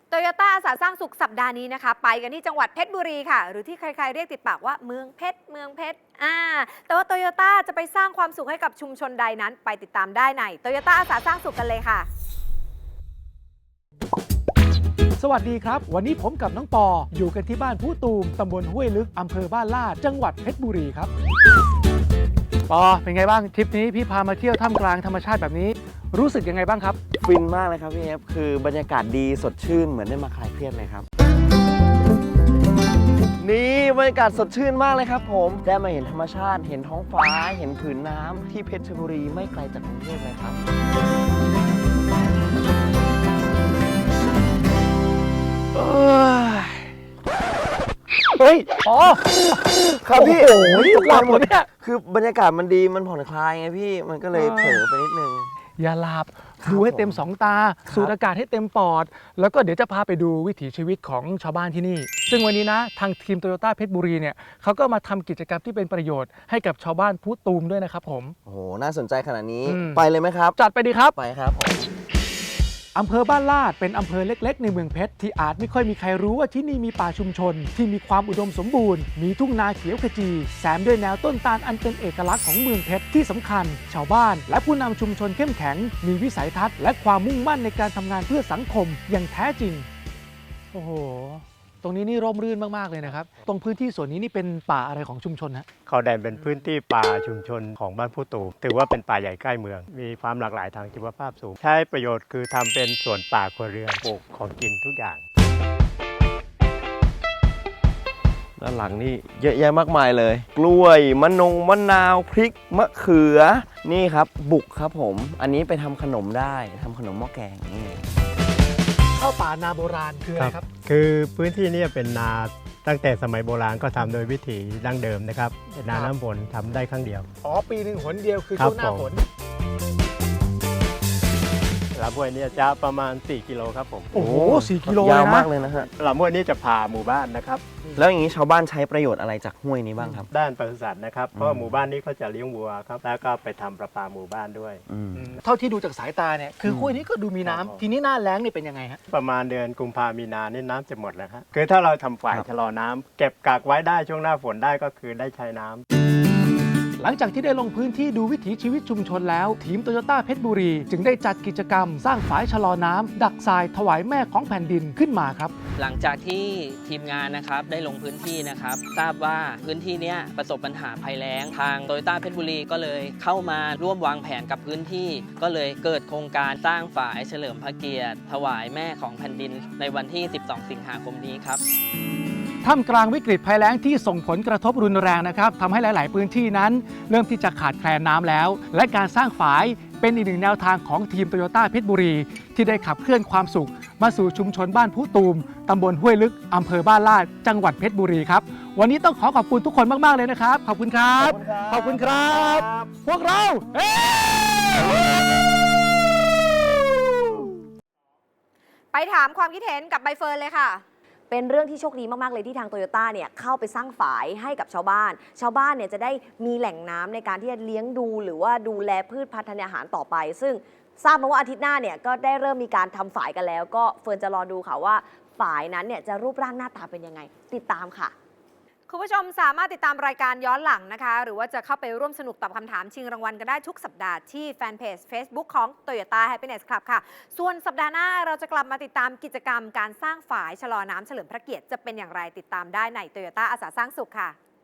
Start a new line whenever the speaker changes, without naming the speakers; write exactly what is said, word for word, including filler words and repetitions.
โตโยต้าอาสาสร้างสุขสัปดาห์นี้นะคะไปกันที่จังหวัดเพชรบุรีค่ะหรือที่ใครๆเรียกติดปากว่าเมืองเพชรเมืองเพชรอ่าแต่ว่าโตโยต้าจะไปสร้างความสุขให้กับชุมชนใดนั้นไปติดตามได้ในโตโยต้าอาสาสร้างสุขกันเลยค่ะ
สวัสดีครับวันนี้ผมกับน้องปออยู่กันที่บ้านผู้ตูมตำบลห้วยลึกอำเภอบ้านลาดจังหวัดเพชรบุรีครับปอเป็นไงบ้างทริปนี้พี่พามาเที่ยวท่ามกลางธรรมชาติแบบนี้รู้สึกยังไงบ้างครับ
ฟินมากเลยครับพี่เอฟคือบรรยากาศดีสดชื่นเหมือนได้มาคลายเครียดเลยครับนี่บรรยากาศสดชื่นมากเลยครับผมได้มาเห็นธรรมชาติเห็นท้องฟ้าเห็นผืนน้ำที่เพชรบุรีไม่ไกลจากกรุงเทพเลยครับเฮ้ยอ๋อครับพี่โอ้ยหลับหมดเนี่ยคือบรรยากาศมันดีมันผ่อนคลายไงพี่มันก็เลยเผลอไปนิดนึง
อย่าหลับดูให้เต็มสองตาสูดอากาศให้เต็มปอดแล้วก็เดี๋ยวจะพาไปดูวิถีชีวิตของชาวบ้านที่นี่ซึ่งวันนี้นะทางทีมโตโยต้าเพชรบุรีเนี่ยเขาก็มาทำกิจกรรมที่เป็นประโยชน์ให้กับชาวบ้านผู้ตูมด้วยนะครับผม
โอ้โหน่าสนใจขนาดนี้ไปเลยไหมครับ
จัดไปดีครับ
ไปครับ
อำเภอบ้านลาดเป็นอำเภอเล็กๆในเมืองเพชรที่อาจไม่ค่อยมีใครรู้ว่าที่นี่มีป่าชุมชนที่มีความอุดมสมบูรณ์มีทุ่งนาเขียวขจีแซมด้วยแนวต้นตาลอันเป็นเอกลักษณ์ของเมืองเพชรที่สำคัญชาวบ้านและผู้นำชุมชนเข้มแข็งมีวิสัยทัศน์และความมุ่งมั่นในการทำงานเพื่อสังคมอย่างแท้จริงโอ้โหตรงนี้นี่ร่มรื่นมากๆเลยนะครับตรงพื้นที่ส่วนนี้นี่เป็นป่าอะไรของชุมชนฮะ
เขาแดนเป็นพื้นที่ป่าชุมชนของบ้านผู้ตูมถือว่าเป็นป่าใหญ่ใกล้เมืองมีความหลากหลายทางชีวภาพสูงใช้ประโยชน์คือทำเป็นสวนป่าครัวเรือนปลูกของกินทุกอย่าง
ด้านหลังนี่เยอะแยะมากมายเลยกล้วยมะนงมะนาวพริกมะเขือนี่ครับบุกครับผมอันนี้ไปทำขนมได้ทำขนมหม้อแกงนี่
ข้าวป่านาโบราณคืออะไรครับ
คือพื้นที่นี้เป็นนาตั้งแต่สมัยโบราณก็ทำโดยวิถีดั้งเดิมนะครับเป็นนาน้ำฝนทำได้ครั้งเดียว
อ๋อปีหนึ่งหนเดียวคือช่วงหน้าฝน
ลำห้วยนี้จะประมาณสี่กิโลครับผม
โอ้โหสี่กิโล
ยาวมากเลยนะฮะ
ลำห้วยนี้จะผ่าหมู่บ้านนะครับ
แล้วอย่างนี้ชาวบ้านใช้ประโยชน์อะไรจากห้วยนี้บ้างครับ
ด้านปศุสัตว์นะครับเพราะหมู่บ้านนี้เขาจะเลี้ยงวัวครับแล้วก็ไปทำประปาหมู่บ้านด้วย
เท่าที่ดูจากสายตาเนี่ยคือห้วยนี้ก็ดูมีน้ำทีนี้หน้าแล้งนี่เป็นยังไงฮะ
ประมาณเดือนกุมภามีนานี่น้ำจะหมดแล้วครับคือถ้าเราทำฝ่ายชะลอน้ำเก็บกักไว้ได้ช่วงหน้าฝนได้ก็คือได้ใช้น้ำ
หลังจากที่ได้ลงพื้นที่ดูวิถีชีวิตชุมชนแล้วทีมโตโยต้าเพชรบุรีจึงได้จัดกิจกรรมสร้างฝายชะลอน้ำดักทรายถวายแม่ของแผ่นดินขึ้นมาครับ
หลังจากที่ทีมงานนะครับได้ลงพื้นที่นะครับทราบว่าพื้นที่นี้ประสบปัญหาภัยแล้งทางโตโยต้าเพชรบุรีก็เลยเข้ามาร่วมวางแผนกับพื้นที่ก็เลยเกิดโครงการสร้างฝายเฉลิมพระเกียรติถวายแม่ของแผ่นดินในวันที่สิบสองสิงหาคมนี้ครับ
ท่ามกลางวิกฤตภัยแล้งที่ส่งผลกระทบรุนแรงนะครับทำให้หลาย ๆ พื้นที่นั้นเริ่มที่จะขาดแคลนน้ำแล้วและการสร้างฝายเป็นอีกหนึ่งแนวทางของทีมโตโยต้าเพชรบุรีที่ได้ขับเคลื่อนความสุขมาสู่ชุมชนบ้านผู้ตูมตำบลห้วยลึกอำเภอบ้านลาดจังหวัดเพชรบุรีครับวันนี้ต้องขอขอบคุณทุกคนมาก ๆ เลยนะครับขอบคุณครับขอบคุณครับพวกเรา
ไปถามความคิดเห็นกับใบเฟิร์นเลยค่ะ
เป็นเรื่องที่โชคดีมากๆเลยที่ทางโตโยต้าเนี่ยเข้าไปสร้างฝายให้กับชาวบ้านชาวบ้านเนี่ยจะได้มีแหล่งน้ำในการที่จะเลี้ยงดูหรือว่าดูแลพืชพันธุ์ธัญญาหารต่อไปซึ่งทราบมาว่าอาทิตย์หน้าเนี่ยก็ได้เริ่มมีการทำฝายกันแล้วก็เฟิร์นจะรอดูค่ะว่าฝายนั้นเนี่ยจะรูปร่างหน้าตาเป็นยังไงติดตามค่ะ
คุณผู้ชมสามารถติดตามรายการย้อนหลังนะคะหรือว่าจะเข้าไปร่วมสนุกตอบคำถามชิงรางวัลกันได้ทุกสัปดาห์ที่แฟนเพจ Facebook ของ Toyota Happiness Club ค่ะส่วนสัปดาห์หน้าเราจะกลับมาติดตามกิจกรรมการสร้างฝายชะลอน้ำเฉลิมพระเกียรติจะเป็นอย่างไรติดตามได้ใน Toyota อาสาสร้างสุขค่ะ